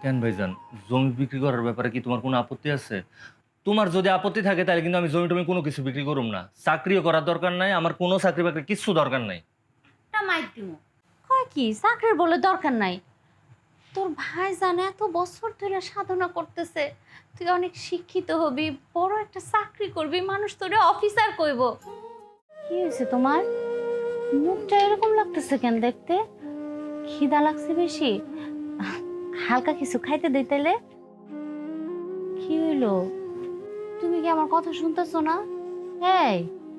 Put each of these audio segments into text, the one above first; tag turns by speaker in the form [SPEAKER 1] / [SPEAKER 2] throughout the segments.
[SPEAKER 1] কেন ভাইজান, জমি বিক্রি করার ব্যাপারে কি তোমার কোনো আপত্তি আছে? তোমার যদি আপত্তি থাকে তাহলে কিন্তু আমি জমি টমি কোনো কিছু বিক্রি করুম না। চাকরিও করার দরকার নাই, আমার কোনো চাকরি বাকরি কিচ্ছু দরকার নাই।
[SPEAKER 2] টা মাইর দিমু। কয় কি চাকরির বলে দরকার নাই? তোর ভাই জানে এত বছর ধরে সাধনা করতেছে, তুই অনেক শিক্ষিত হবি, বড় একটা চাকরি করবি, মানুষ তোরে অফিসার কইব। কি হয়েছে তোমার? মুখটা এরকম লাগতেছে কেন দেখতে? খিদা লাগছে বেশি? হালকা কিছু খাইতে দেই তাইলে। কি হইলো? তুমি কি আমার কথা শুনতেছো না? এই,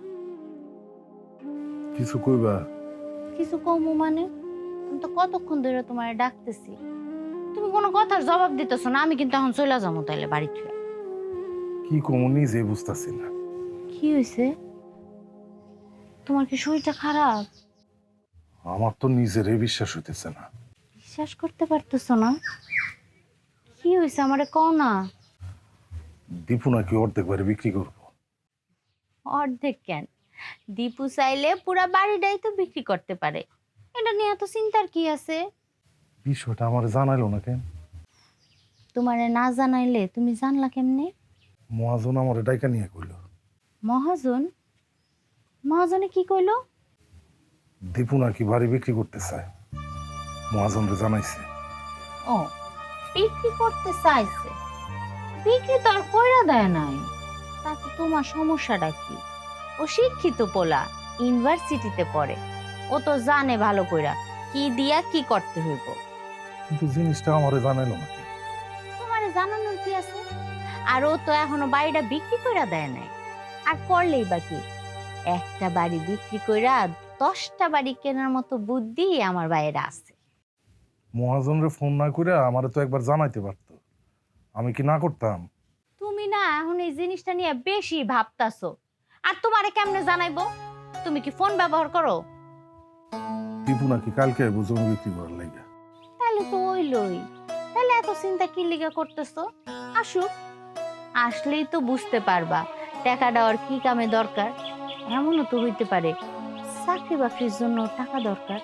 [SPEAKER 3] কিছু কইবা?
[SPEAKER 2] কিছু কমু মানে? আমি তো কতক্ষণ ধরে তোমার ডাকতেছি, তুমি কোনো কথার জবাব দিতেছো না। আমি কিন্তু এখন চলে যাবো তাইলে বাড়ি থেকে।
[SPEAKER 3] কি কমু নিজে বুঝতাছি না।
[SPEAKER 2] কি হয়েছে? তোমার কি শরীরটা খারাপ?
[SPEAKER 3] আমার তো নিজেরই বিশ্বাস হইতেছে না।
[SPEAKER 2] বিশ্বাস করতে পারতেছো না? কি হয়েছে আমারে কও না।
[SPEAKER 3] দীপু নাকি অর্ধেক বারে বিক্রি করবো।
[SPEAKER 2] অর্ধেক কেন, দীপু চাইলে পুরা বাড়িটাই তো বিক্রি করতে পারে। এটা নিয়ে এত চিন্তার কি আছে?
[SPEAKER 3] বিষয়টা আমার জানাইলো না কেন?
[SPEAKER 2] তোমারে না জানাইলে তুমি জানলা কেমনে?
[SPEAKER 3] মহাজন আমার ডাইকা নিয়ে কইল।
[SPEAKER 2] মহাজন? মহাজনে কি কইলো?
[SPEAKER 3] দীপু নাকি বাড়ি বিক্রি করতে চায়, মহাজনরে জানাইছে।
[SPEAKER 2] ও, বিক্রি করতে চাইছে। বিক্রি তো আর কইরা দেয় নাই, তাতে তোমার সমস্যাটা কি? ও শিক্ষিত পোলা, ইউনিভার্সিটিতে পড়ে, ও তো জানে ভালো কইরা কি দিয়া কি করতে হইব।
[SPEAKER 3] কিন্তু জিনিসটা আমারে জানাইলো না কেন?
[SPEAKER 2] তোমারে জানানোর কি আছে? আর ও তো এখনো বাড়িটা বিক্রি কইরা দেয় নাই। আর করলেই বা কি? একটা বাড়ি বিক্রি কইরা 10টা বাড়ি কেনার মতো বুদ্ধি আমার বাইরে আছে।
[SPEAKER 3] মহাজনরে ফোন না করে আমারে তো একবার জানাইতে পারতো, আমি কি না করতাম?
[SPEAKER 2] তুমি না এখন এই জিনিসটা নিয়ে বেশি ভাবতাছো। আর তোমারে কেমনে জানাইবো? তুমি কি ফোন ব্যবহার করো?
[SPEAKER 3] দীপু নাকি কালকে আইবো জমি বিক্রি করার লাগে।
[SPEAKER 2] তাহলে তো ওইলই। তাহলে এত চিন্তা কি লিগা করতেছো? আসুক, আসলেই তো বুঝতে পারবা টাকা দেওয়ার কি কামে দরকার। এমনও তো হইতে পারে চাকরি বাকরির জন্য টাকা দরকার।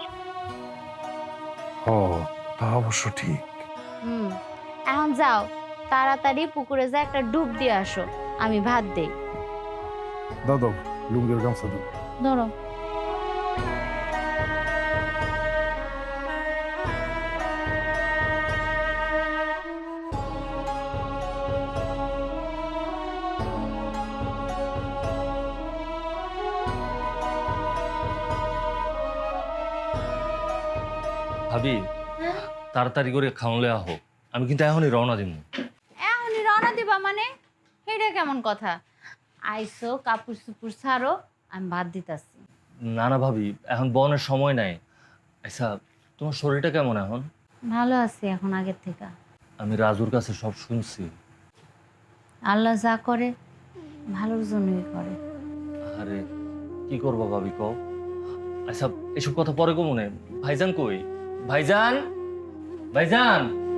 [SPEAKER 3] হ, তা অবশ্য ঠিক।
[SPEAKER 2] হুম, এখন যাও, তাড়াতাড়ি পুকুরে যা একটা ডুব দিয়ে আসো, আমি ভাত দেই।
[SPEAKER 3] দাও দাও, লুঙ্গের গামছা দাও।
[SPEAKER 2] ধরো।
[SPEAKER 1] ভাবি, তাড়াতাড়ি করে খাওয়ালে আহো, আমি কিন্তু এখনই রওনা দিব।
[SPEAKER 2] এখনই রওনা দিবা মানে? এটা কেমন কথা? আইসো, কাপড় চুপুর ছাড়ো, আমি ভাত দিতাছি।
[SPEAKER 1] না না ভাবি, এখন বনের সময় নাই। আচ্ছা, তোমার শরীরটা কেমন এখন?
[SPEAKER 2] ভালো আছি এখন আগের থেকে।
[SPEAKER 1] আমি রাজুর কাছে সব শুনছি।
[SPEAKER 2] আল্লাহ যা করে ভালোর জন্যই করে।
[SPEAKER 1] আরে কি করবো ভাবি কও? আচ্ছা, এসব কথা পরে কো মনে। ভাইজান কই? ভাইজান, ভাইজান।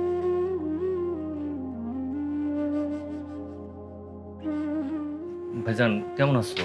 [SPEAKER 1] ভাইজান কেমন আছো?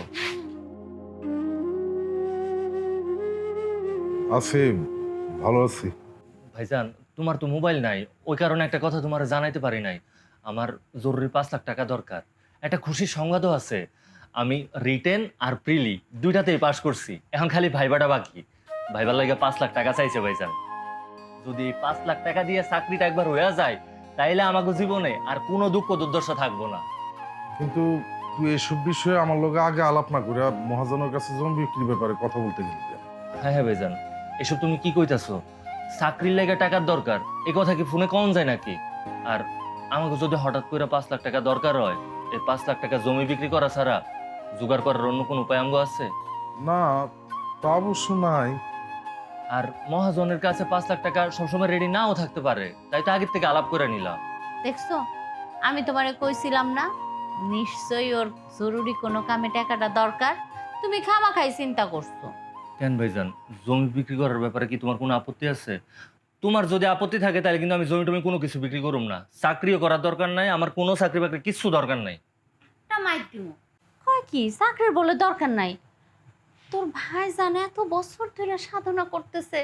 [SPEAKER 3] আছি, ভালো আছি।
[SPEAKER 1] ভাইজান, তোমার তো মোবাইল নাই, ওই কারণে একটা কথা তোমার জানাইতে পারি নাই। আমার জরুরি 5 লাখ টাকা দরকার। একটা খুশির সংবাদও আছে। আমি রিটেন আর প্রিলি দুইটাতেই পাশ করছি, এখন খালি ভাইবাটা বাকি। ভাইবার লাগে 5 লাখ টাকা চাইছে ভাইজান। যদি এই 5 লাখ টাকা দিয়ে চাকরিটা একবার হয়ে যায়, তাইলে আমাকে জীবনে আর কোনো দুঃখ দুর্দশা থাকবো না।
[SPEAKER 3] কিন্তু তুই এসব বিষয়ে আমার লগে আগে আলাপ না করে মহাজনের কাছে জমি বিক্রির ব্যাপারে কথা বলতে গেলি কেন?
[SPEAKER 1] হ্যাঁ হ্যাঁ ভাইজান, এসব তুমি কি কইতাছো? চাকরির লেগে টাকার দরকার, এ কথা কি ফোনে কম যায় নাকি? আর আমাকে যদি হঠাৎ করে 5 লাখ টাকা দরকার হয়, এই 5 লাখ টাকা জমি বিক্রি করা ছাড়া জোগাড় করার অন্য কোনো উপায় আমগো আছে?
[SPEAKER 3] না, তা অবশ্য নাই।
[SPEAKER 1] আর মহাজনের কাছে 5 লাখ টাকা সবসময় রেডি নাও থাকতে পারে, তাই তো আগের থেকে আলাপ করে নিলাম।
[SPEAKER 2] দেখছো, আমি তোমারে কইছিলাম না নিশ্চয়ই ওর জরুরি কোনো কামে টাকাটা দরকার। তুমি খামাখাই চিন্তা করছো।
[SPEAKER 1] কেন ভাইজান, জমি বিক্রি করার ব্যাপারে কি তোমার কোনো আপত্তি আছে? তোমার যদি আপত্তি থাকে তাহলে কিন্তু আমি জমি টমি কোনো কিছু বিক্রি করুম না। চাকরিও করার দরকার নাই, আমার কোনো চাকরি বাকরি কিচ্ছু দরকার নাই।
[SPEAKER 2] টা মাইর দিমু। কয় কি চাকরির বলে দরকার নাই? তোর ভাই জানে এত বছর ধরে সাধনা করতেছে,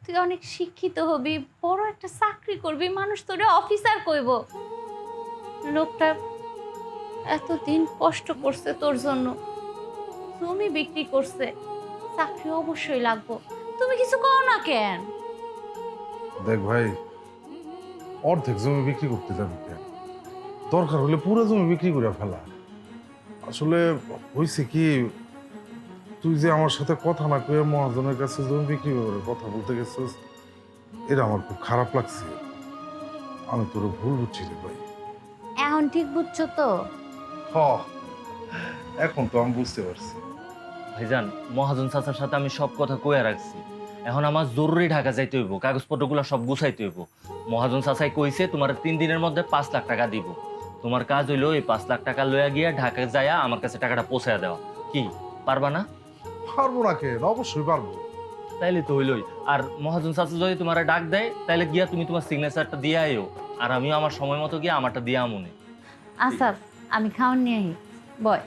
[SPEAKER 2] তুই অনেক শিক্ষিত হবি, বড় একটা চাকরি করবি, মানুষ তোরে অফিসার কইব। লোকটা এতদিন কষ্ট করছে তোর জন্য, জমি বিক্রি করছে, চাকরি অবশ্যই লাগবো। তুমি কিছু কও না কেন?
[SPEAKER 3] দেখ ভাই, অর্ধেক জমি বিক্রি করতে যাবি কেন? দরকার হলে পুরো জমি বিক্রি করে ফেলা। আসলে হয়েছে কি, তুই যে আমার সাথে কথা না কয়ে মহাজনের কাছে জমি বিক্রি করে কথা বলতে গেছিস, এটা আমার খুব খারাপ লাগছে। আমি তোর ভুল বুঝছি রে ভাই।
[SPEAKER 2] এখন ঠিক বুঝছো তো?
[SPEAKER 3] হ, এখন তো আমি বুঝতে পারছি।
[SPEAKER 1] ভাইজান, মহাজন চাচার সাথে আমি সব কথা কইয়া রাখছি। এখন আমার জরুরি ঢাকা যাইতে হইব, কাগজপত্রগুলো সব গুছাইতে হইব। মহাজন চাচাই কইছে তোমার 3 দিনের মধ্যে 5 লাখ টাকা দিব। তোমার কাজ হইলো এই 5 লাখ টাকা লইয়া গিয়া ঢাকা যায়া আমার কাছে টাকাটা পৌঁছায় দেওয়া। কি পারবা না?
[SPEAKER 3] পারবো না কেন, অবশ্যই পারবো।
[SPEAKER 1] তাইলে তো হইলই। আর মহাজন চাচা যদি তোমার ডাক দেয়, তাইলে গিয়া তুমি তোমার সিগনেচারটা দিয়ে আইও, আর আমিও আমার সময় মতো গিয়া আমারটা দিয়ে আমনে।
[SPEAKER 2] আসাদ, আমি খাওয়ান নিয়ে আহি। বয়।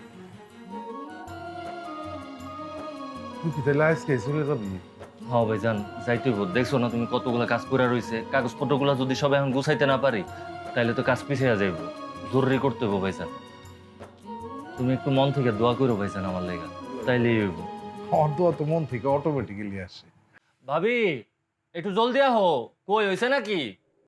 [SPEAKER 3] তুই কি তাহলে আজকে চলে যাবি?
[SPEAKER 1] হ্যাঁ ভাইজান, যাইতে হইব। দেখছো না তুমি কতগুলো কাজ করে রইছে, কাগজপত্রগুলো যদি সব এখন গুছাইতে না পারি, তাইলে তো কাজ পিছিয়ে যাইব। জরুরি করতে হইব ভাইজান। তুমি একটু মন থেকে দোয়া করো ভাইজান আমার লেগা, তাইলেই হইব।
[SPEAKER 3] আমার দোয়া তো মন থেকে অটোমেটিক্যালি আসে।
[SPEAKER 1] ভাবি, একটু জলদি আহো। কই হইছে নাকি?